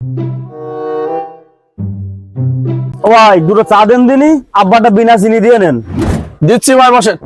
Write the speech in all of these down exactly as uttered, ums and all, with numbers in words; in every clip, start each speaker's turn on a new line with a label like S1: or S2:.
S1: ও ভাই দুটো চা দেন দিনই, আব্বাটা বিনা চিনি দিয়ে নেন।
S2: দিচ্ছি ভাই, বসেন।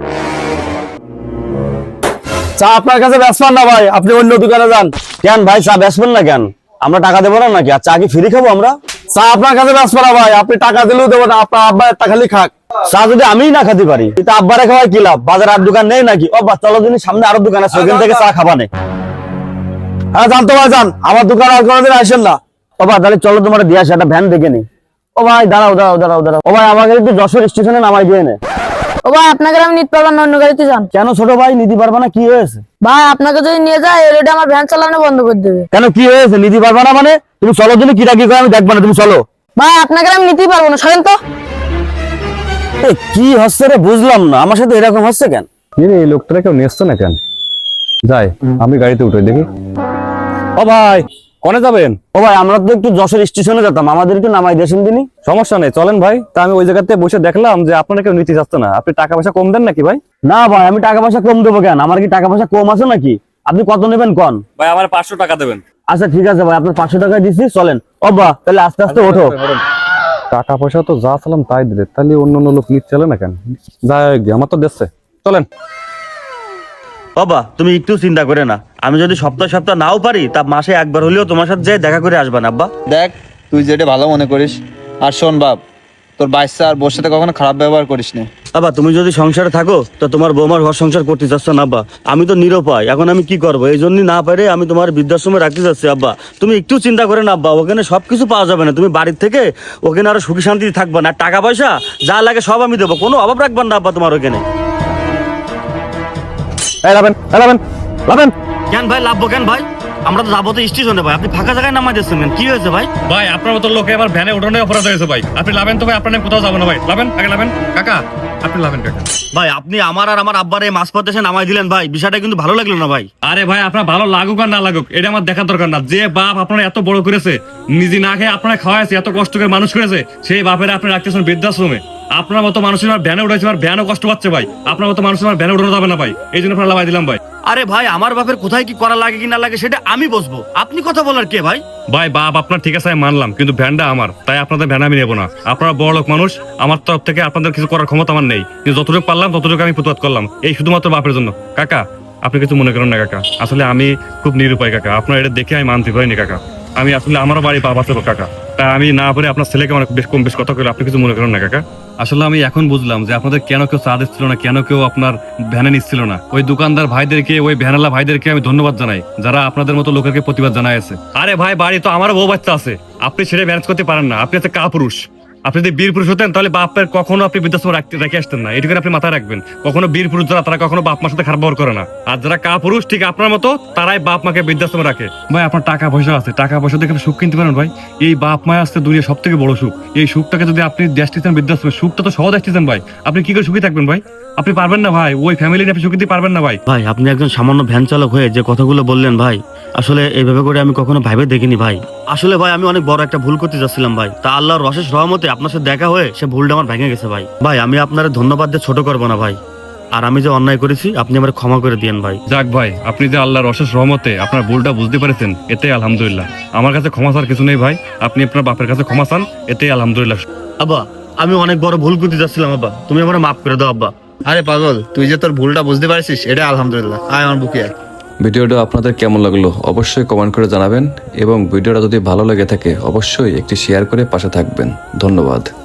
S2: চা আপনার কাছে বেচবেন না ভাই, আপনি অন্য দোকানে যান।
S1: কেন ভাই চা বেচবেন না কেন? আমরা টাকা দেবো না নাকি? আর চা কি ফ্রি খাবো আমরা?
S2: চা আপনার কাছে বেচবেন না ভাই, আপনি টাকা দিলেও দেবো না, আপনার আব্বা একটা খালি খাক।
S1: চা যদি আমিই না খেতে পারি তা আব্বারে খাওয়াই কি লাভ? বাজারে আর দোকান নেই নাকি? ও বা চলো দিন, সামনে আরো দোকান আছে, ওখান থেকে চা খাবানে।
S2: হ্যাঁ জানতো ভাই, যান, আমার দোকান আর কোনোদিন আসেন না।
S1: ও বা তাহলে চলো তোমার দিয়ে আসে, একটা ভ্যান দেখে নি। ও ভাই দাঁড়াও দাঁড়াও দাঁড়াও দাঁড়াও ও ভাই, আমাকে একটু যশোর স্টেশনে নামাই দিয়ে নে।
S3: ও ভাই আপনাকে আমি নিতে পারবো না, অন্য গাড়িতে যান।
S1: কেন ছোট ভাই নিতে পারবা না? কি হয়েছে?
S3: ভাই আপনাকে যদি নিয়ে যায় এলইডি আমার ভ্যান চালানো বন্ধ করে দেবে।
S1: কেন কি হয়েছে? নিতে পারবা না মানে? তুমি চলো দিন, কি রাখি করে আমি দেখবো না, তুমি চলো।
S3: ভাই আপনাকে আমি নিতেই পারবো না, সরেন তো।
S1: এ, কি হচ্ছে রে বুঝলাম না, আমার সাথে এরকম হচ্ছে কেন?
S4: এই লোকটা কেউ নিয়ে না কেন? যাই আমি গাড়িতে উঠে দেখি।
S1: ও ভাই কোনে যাবেন? ও ভাই আমরা তো একটু যশোর স্টেশনে যেতাম, আমাদের একটু নামাই দেন দিনই।
S4: সমস্যা নেই, চলেন ভাই। তা আমি ওই জায়গাতে বসে দেখলাম যে আপনারা কেউ নিতে যাচ্ছে না। আপনি টাকা পয়সা কম দেন নাকি ভাই?
S1: না ভাই আমি টাকা পয়সা কম দেবো কেন? আমার কি টাকা পয়সা কম আছে নাকি? আপনি কত নেবেন কন?
S4: ভাই আমার পাঁচশো টাকা দেবেন।
S1: আচ্ছা ঠিক আছে ভাই, আপনার পাঁচশো টাকা দিচ্ছি, চলেন। ও বা তাহলে আস্তে আস্তে ওঠো।
S4: টাকা পয়সা তো যা চালাম তাই দিলে, তাহলে অন্য অন্য লোক নিচ্ছে না কেন? যাই গে, আমার তো দেখছে, চলেন।
S1: বাবা তুমি একটু চিন্তা করে না, আমি যদি সপ্তাহ সপ্তাহ নাও পারি তা মাসে একবার হলেও তোমার সাথে যেয়ে দেখা করে আসবেন আব্বা।
S5: দেখ তুই যেটা ভালো মনে করিস। আর শোন বাপ, তোর বাচ্চা আর বোর সাথে কখনো খারাপ ব্যবহার করিস না।
S1: আব্বা তুমি যদি সংসারে থাকো তো তোমার বৌমার ঘর সংসার করতে চাচ্ছ না আব্বা। আমি তো নিরুপায়, এখন আমি কি করবো? এই জন্যই না পারে আমি তোমার বৃদ্ধাশ্রমে রাখতে চাচ্ছি আব্বা। তুমি একটু চিন্তা করে না আব্বা, ওখানে সবকিছু পাওয়া যাবে না, তুমি বাড়ির থেকে ওখানে আরো সুখী শান্তি থাকবা না। টাকা পয়সা যা লাগে সব আমি দেবো, কোনো অভাব রাখবেন না আব্বা তোমার ওখানে।
S4: এই লাবেন, এই লাবেন, লাবেন।
S1: কেন ভাই লাভবো কেন ভাই? আমরা তো যাবো তো স্টেশনে ভাই, আপনি ফাঁকা জায়গায় নামাই দিচ্ছেন কেন? কি হয়েছে ভাই?
S6: ভাই আপনার মতো লোকে আমার ভ্যানে উঠানোর অপরাধ হয়েছে ভাই। আপনি লাভেন তো ভাই, আপনার নামে কোথাও যাবো না ভাই। লাভেন আগে লাভেন কাকা, আপনি লাভেন কাকা।
S1: ভাই আপনি আমার আর আমার আব্বার এই মাঝপথ এসে নামাই দিলেন ভাই, বিষয়টা কিন্তু ভালো লাগলো না ভাই।
S6: আরে ভাই আপনার ভালো লাগুক আর না লাগুক এটা আমার দেখার দরকার না। যে বাপ আপনারা এত বড় করেছে, নিজে না খেয়ে আপনারা খাওয়াইছে, এত কষ্ট করে মানুষ করেছে, সেই বাপের আপনি রাখতেছেন বৃদ্ধাশ্রমে। আপনার মতো মানুষের আমার ভ্যানে উঠেছে, আমার ভ্যানও কষ্ট পাচ্ছে ভাই। আপনার মতো মানুষের আমার ভ্যানে উঠানো যাবে না ভাই, এই জন্য আপনার লাভাই দিলাম ভাই।
S1: আরে ভাই আমার বাপের কোথায় কি করা লাগে কি না লাগে সেটা আমি বসবো, আপনি কথা বলার কে ভাই?
S6: ভাই বাপ আপনার ঠিক আছে আমি মানলাম, কিন্তু ভ্যানটা আমার, তাই আপনাদের ভ্যান আমি নেবো না। আপনারা বড় লোক মানুষ, আমার তরফ থেকে আপনাদের কিছু করার ক্ষমতা আমার নেই, কিন্তু যতটুকু পারলাম ততটুকু আমি প্রতিবাদ করলাম, এই শুধুমাত্র বাপের জন্য। কাকা আপনি কিছু মনে করেন না কাকা, আসলে আমি খুব নিরুপায় কাকা। আপনার এটা দেখে আমি মানতে পারিনি কাকা। আমি আসলে আমারও বাড়ি বাপ আছে কাকা, তাই আমি না পারে আপনার ছেলেকে অনেক বেশ কম বেশ কথা করে, আপনি কিছু মনে করেন না কাকা। আসলে আমি এখন বুঝলাম যে আপনাদের কেন কেউ চা দিচ্ছিল না, কেন কেউ আপনার ভ্যানে নিচ্ছিল না। ওই দোকানদার ভাইদেরকে, ওই ভ্যানালা ভাইদেরকে আমি ধন্যবাদ জানাই, যারা আপনাদের মতো লোকেরকে প্রতিবাদ জানাইছে। আরে ভাই বাড়ি তো আমারও বউ বাচ্চা আছে, আপনি সেটা ম্যানেজ করতে পারেন না। আপনি হচ্ছে কাপুরুষ। আপনি যদি বীর পুরুষ হতেন তাহলে বাপের কখনো আপনি বৃদ্ধাশ্রমে রাখতে রেখে আসতেন না, এটুকু আপনি মাথায় রাখবেন। কখনো বীর পুরুষ যারা, তারা কখনো বাপ মার সাথে খারাপ ব্যবহার করে না। আর যারা কাপুরুষ ঠিক আপনার মতো, তারাই বাপ মাকে বৃদ্ধাশ্রমে রাখে। ভাই আপনার টাকা পয়সা আছে, টাকা পয়সা দেখে আপনি সুখ কিনতে পারেন ভাই। এই বাপ মায় আসতে দুনিয়া সব থেকে বড় সুখ। এই সুখটাকে যদি আপনি দেশ দিতেন বৃদ্ধাশ্রমে, সুখটা তো সহজ আসতেছেন ভাই। আপনি কি করে সুখী থাকবেন ভাই? আপনি পারবেন না ভাই, ওই ফ্যামিলি নিয়ে আপনি সুখী দিতে পারবেন না ভাই।
S1: ভাই আপনি একজন সামান্য ভ্যান চালক হয়ে যে কথাগুলো বললেন ভাই, আসলে এইভাবে করে আমি কখনো ভাইবে দেখিনি ভাই। আসলে ভাই আমি অনেক বড় একটা ভুল করতে যাচ্ছিলাম ভাই, তা আল্লাহর অশেষ রহমতে আপনার সাথে দেখা হয়ে সে ভুলটা আমার ভেঙে গেছে ভাই। ভাই আমি আপনার ধন্যবাদ দিয়ে ছোট করবো না ভাই, আর আমি যে অন্যায় করেছি আপনি আমার ক্ষমা করে দিয়েন ভাই।
S6: যাক ভাই, আপনি যে আল্লাহর অশেষ রহমতে আপনার ভুলটা বুঝতে পেরেছেন, এতেই আলহামদুলিল্লাহ। আমার কাছে ক্ষমা চাওয়ার কিছু নেই ভাই, আপনি আপনার বাপের কাছে ক্ষমা চান, এতেই আলহামদুলিল্লাহ।
S1: আব্বা আমি অনেক বড় ভুল করতে যাচ্ছিলাম আব্বা, তুমি আমার মাফ করে দাও আব্বা।
S5: আরে পাগল, তুই যে তোর ভুলটা বুঝতে পারছিস এটা আলহামদুলিল্লাহ। আয় আমার বুকে আয়।
S7: ভিডিওটা আপনাদের কেমন লাগলো অবশ্যই কমেন্ট করে জানাবেন, এবং ভিডিওটা যদি ভালো লেগে থাকে অবশ্যই একটি শেয়ার করে পাশে থাকবেন। ধন্যবাদ।